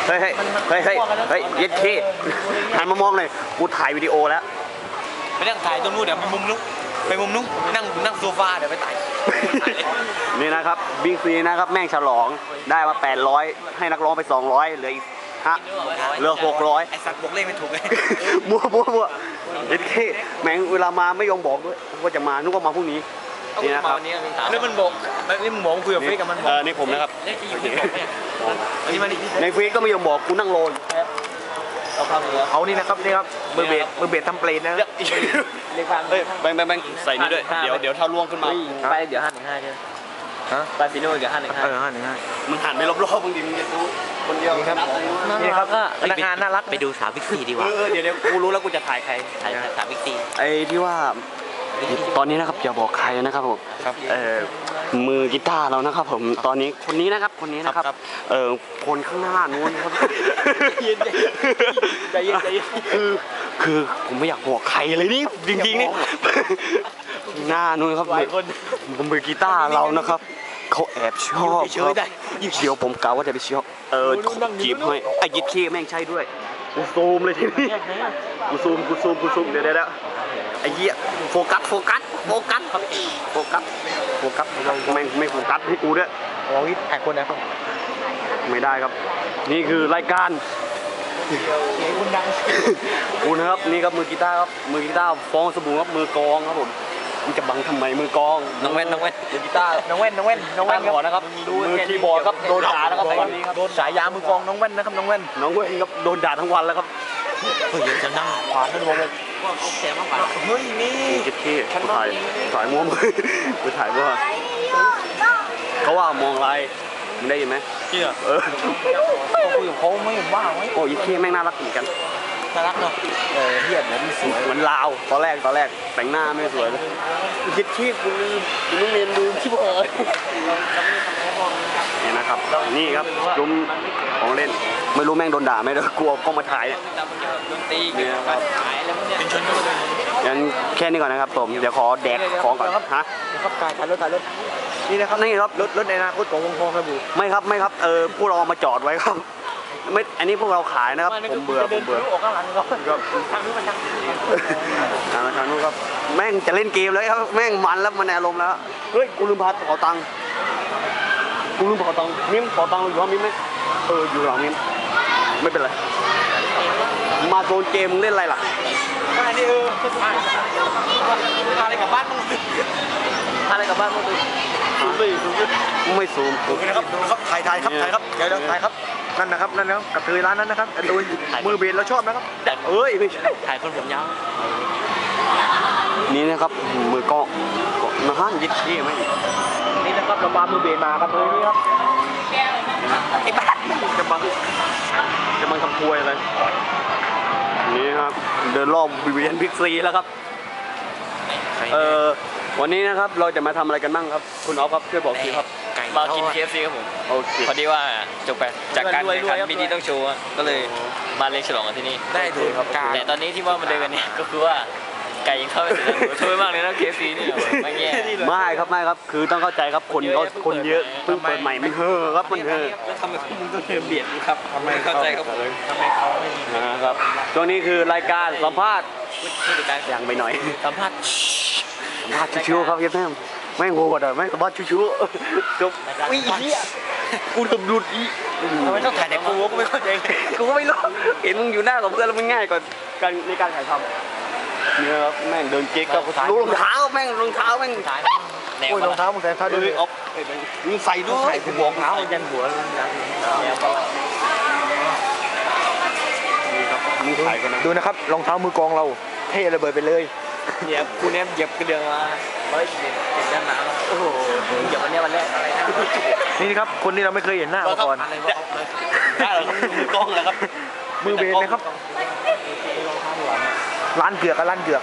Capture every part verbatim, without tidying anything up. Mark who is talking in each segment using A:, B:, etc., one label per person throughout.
A: เฮ้ยเฮ้ยเฮ้ยเฮ้ยเฮ้ยเย็ดขี้หันมามองเลยกูถ่ายวิดีโอแล้ว
B: ไปนั่งถ่ายตรงนู้นเดี๋ยวไปมุมนู้นไปมุมนู้นนั่งนั่งโซฟาเดี๋ยวไปถ่าย
A: นี่นะครับบิ๊กซีนะครับแม่งฉลองได้มาแปดร้อยให้นักร้องไปสองร้อยเหลืออีกฮะเหลือหกร้อย
B: ไอ้สัตว์บอกเลขไม่ถูกเลย
A: มัวมัวมัวเย็ดขี้แม่งเวลามาไม่ยอมบอกด้วยว่าจะมานึกว่ามาพรุ่งนี้นี่นะครับ
B: แล้วมันบอกนี่มึงบอกคุยกับเฟซกับมัน
A: เออนี่ผมนะครับในเฟซก็ไม่ยอมบอกกูนั่งโรย
B: เอานี่นะครับนี่ครับมือเบสมือเบสทำเปลนนะ
A: เฮ้ยแบงแบงแบงใส่นี่ด้วยเดี๋ยวเดี๋ยวถ้าล่วงขึ้นมา
B: ไปเดี๋ยวห้าหนึ่งห้าใช่ไหมฮะไปฟิโน่เดี๋ยวห้าหนึ่งห้าเออห้าหนึ่งห้า
A: มึงหันไปรอบๆมึงดิมึงจะดูคนเดียว
B: นี่ครับนี่ครับก็พนักงานน่ารักไปดูสาวบิ๊กซีดีกว่า
A: เออเดี๋ยวเดี๋ยวกูรู้แล้วกูจะถ่ายใคร
B: ถ่ายสาวบิ๊กซี
A: ไอ้ที่ว่าตอนนี้นะครับอย่าบอกใครนะครับผมเออมือกีตาร์เรานะครับผมตอนนี้คนนี้นะครับคนนี้นะครับเออคนข้างหน้านู้นครับ
B: ใจเย็นใจเย็น
A: คือคือผมไม่อยากบอกใครเลยนี่จริงๆนี่หน้านู้นครับมือกีตาร์เรานะครับเขาแอบชอบครับเดี๋ยวผมกล่าวว่าจะไปชอบเออจีบให้ไอ้ยิดขี้แม่งใช่ด้วยกูซูมเลยทีนี้กูซูมกูซูมกูซูมเดี๋ยวเดี๋ยวไอ้เหี้ยโฟกัสโฟกัสโฟกัสโฟกัสโฟกัสไม่ไม่โฟกัสให้กูด้วย
B: อ๋อวิทย์ถ่ายคนนะครับ
A: ไม่ได้ครับนี่คือรายการ
B: คุณดัง
A: กูนะครับนี่ครับมือกีตาร์ครับมือกีตาร์ฟองสบู่ครับมือกองครับผมมันจะบังทำไมมือกอง
B: น้องเว้นน้องเว้น
A: มือกีตาร์
B: น้องเว้นน้องเว้นน้องเว้น
A: ก่อนนะครับมือคีย์บอร์ดครับโดนด่าแล้วครับ
B: วันนี้ครับโดนสายยามือกองน้องเว้นนะครับน้องเว้น
A: น้องเว้นครับโดนด่าทั้งวันแล้วครับ
B: เฮ้ยจะนั่งขวานนั่นวงเลยว่าเขาแข็งมากกว่าเฮ้ยนี่
A: จิ๊ดขี้ถ่ายถ่ายม้วนไปถ่ายว่าเขาว่ามองอะไรมึงได้ยินไหม
B: จริงเหรอ
A: เออ
B: เขาคุยกับเขาไม่เห็นว่าไหม
A: โอ้ยขี้แม่งน่ารักเหมือนกัน
B: น่ารักเนาะเออเทียบแล้วมันสวย
A: เหมือนลาวตอนแรกตอนแรกแต่งหน้าไม่สวยเลยจิ๊ดขี้กูลืมกูต้องเรียนดูขี้บ่อยนี่นะครับนี่ครับจุ่มของเล่นไม่รู้แม่งโดนด่าไหมเด้อกลัวกล้องมาถ่ายเนี่ยนี่นะครับงั้นแค่นี้ก่อนนะครับผมเดี๋ยวขอแดกของก่อนฮะ
B: ครับถ่ายถ่ายรถถ่ายรถนี่นะครับ
A: นี่ครับ
B: รถรถในอนาคตของวงทองครับบู
A: ไม่ครับไม่ครับเออพวกเรามาจอดไว้ครับไม่อันนี้พวกเราขายนะครับผมเบื่อผมเบื่อ
B: ออกข้างหลังก็ทางนี้มันทาง
A: ทางทางนู้นครับแม่งจะเล่นเกมแล้วครับแม่งมันแล้วมันอารมณ์แล้วเฮ้ยกูลืมพาขอตังค์กูลืมขอตังค์มิ้มขอตังค์อยู่ห้องมิ้มไหมเอออยู่หลังมิ้มไม่เป็นไรมาโซนเกมมึงเล่นอะไรล่ะ
B: มาดิเออมาอะไรกับบ้านมึงอะไรกับบ้านมึง
A: ซูมไม่ซูมไม่ซูม
B: นะครับครับถ่ายถ่ายครับถ่ายครับเดี๋ยวถ่ายครับนั่นนะครับนั่นนะครับกระเทยร้านนั้นนะครับดูมือเบสเราชอบนะครับ
A: เอ้ยไม่ใช่
B: ถ่ายคนผมยาว
A: นี่นะครับมือกล้องนะฮะยิดขี้ไหม
B: นี่นะครับเราปามือเบสมาครับเลยนี่ครับ
A: ไอ้บ้าจะมาจะมาทำพวยอะไรนี่ครับเดินรอบวิเวียนบิ๊กซีแล้วครับเออวันนี้นะครับเราจะมาทำอะไรกันบ้างครับคุณอ๊อฟครับช่วยบอกทีครับ
B: มากิน เค เอฟ ซี ครับผม
A: โอเค
B: พอดีว่าจบไปจากการแข่งขันมินิต้องโชว์ก็เลยมาเลี้ยงฉลองกันที่นี่
A: ได้ดูครับ
B: แต่ตอนนี้ที่ว่ามาเดินกันเนี่ยก็คือว่าไก่ยังเข้าไปถึงช่วยมากเลยนะ เค เอฟ ซี นี่ไม่แย่
A: ไม่ครับไม่ครับคือต้องเข้าใจครับคนเขาคนเยอะเพิ่งเปิดใหม่มันเฮ่อครับมันเฮ่อ
B: แล้วทำไมพวกมึงต้องเดินเบียดครับทำไมเข้าใจครับทำไมเขาไม่มี
A: นะครับช่วงนี้คือรายการสัมภาษณ์อย่างไปหน่อย
B: สัมภาษณ์
A: สัมภาษณ์ชิวๆครับเพื่อนแม่งโง่กว่าเดิมแม่งสัมภาษณ์ชิวๆจบ
B: วิ่งอีก
A: กูทำดุดอี
B: ทำไมต้องถ่ายแต่กูกูไม่เข้าใจ
A: กูก็ไม่รู้เห็นมึงอยู่หน้ากับเพื่อนแล้วมันง่ายกว่าการในการถ่ายทำเนี่ยครับแม่งเดินเก๊กกับรองเท้าแม่งรองเท้าแม่ง
B: โอ้ยรองเท้ามึงใส่เท้าด้วย
A: อ๊อฟมึงใส่ด้วย
B: กูบอกเท้ายันหัวดูนะครับรองเท้ามือกองเราเท่ระเบิดไปเลยเนี่ยกูเนี่ยเหยียบกระเดื่องมาเฮ้ยเหยียบด้านหน้าโอ้โหเหยียบวันนี้วันแรกอะไรนะนี่ครับคนที่เราไม่เคยเห็นหน้ามาก่อน
A: ได้เหรอมือกองเหรอครับ
B: มือเบสนะครับร้านเกือกกับร้านเกือก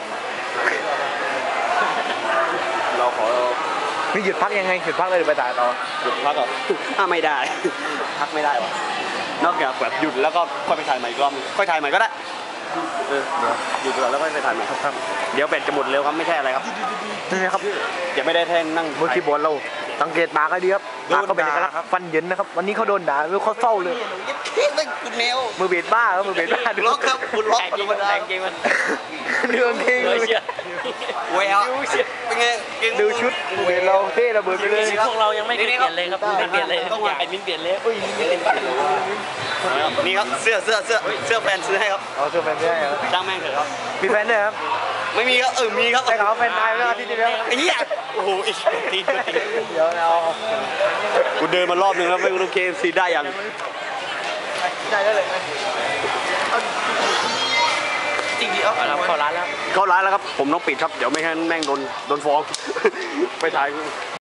A: เราขอ
B: นี่หยุดพักยังไงหยุดพักเลยหรือไปถ่ายต่อ
A: หยุดพักเหรออ่ะไม่ได้พักไม่ได้วะนอกจากแบบหยุดแล้วก็ค่อยไปถ่ายใหม่อีกรอบค่อยถ่ายใหม่ก็ได้เออหยุดก่อนแล้วค่อยไปถ่ายใหม่ครับเดี๋ยวเป็ดจะหมดเร็วครับไม่ใช่อะไรครับ
B: นี่นะครับ
A: อย่าไม่ได้แท่งนั่ง
B: มือคีย์บอร์ดเราสังเกตตาก็ดีครับตาเขาเป็นเอกลักษณ์ฟันเหยินนะครับวันนี้เขาโดนด่าไม่เขาเศร้าเลย
A: ไม่คุณแนว
B: มือเบียดบ้าครับมือเบียดบ้าดู
A: ล็อกครับคุณล็อก
C: แต่จริงมันแต่จริงมัน
B: เรื่องเท่เลย
A: แววเป็นไงเก่ง
B: ดูชุดมือเบียดเราเท่ระเบิดไปเลย
C: พวกเรายังไม่เปลี่ยนเลยครับไม่เปลี่ยนเลยอยากไอ้มิ้นเปลี่ยนเลยอุ้ย
A: นี่ครับเสื้อเสื้อเสื้อเสื้อแฟนซื้อให้ครับ
B: เอาเสื้อแฟนได้ครับ
A: จ้างแม่งเถอะครับ
B: มีแฟนด้วยครับ
A: ไม่มีครับเออมีครับ
B: แต่เขาแฟนตายไปแล้วอาทิตย์ที่แล้ว
A: ไอ้เหี้ยโอ้โหอีกทีที
B: เดี๋ยวเรา
A: กูเดินมารอบนึงแล้วไม่รู้เคเอฟซีได้ยัง
B: ได้แล้วเลย
C: จริงๆเอาเข้าร้านแล้ว
A: เข้าร้านแล้วครับผมต้องปิดครับเดี๋ยวไม่งั้นแม่งโดนโดนฟ้องไปถ่าย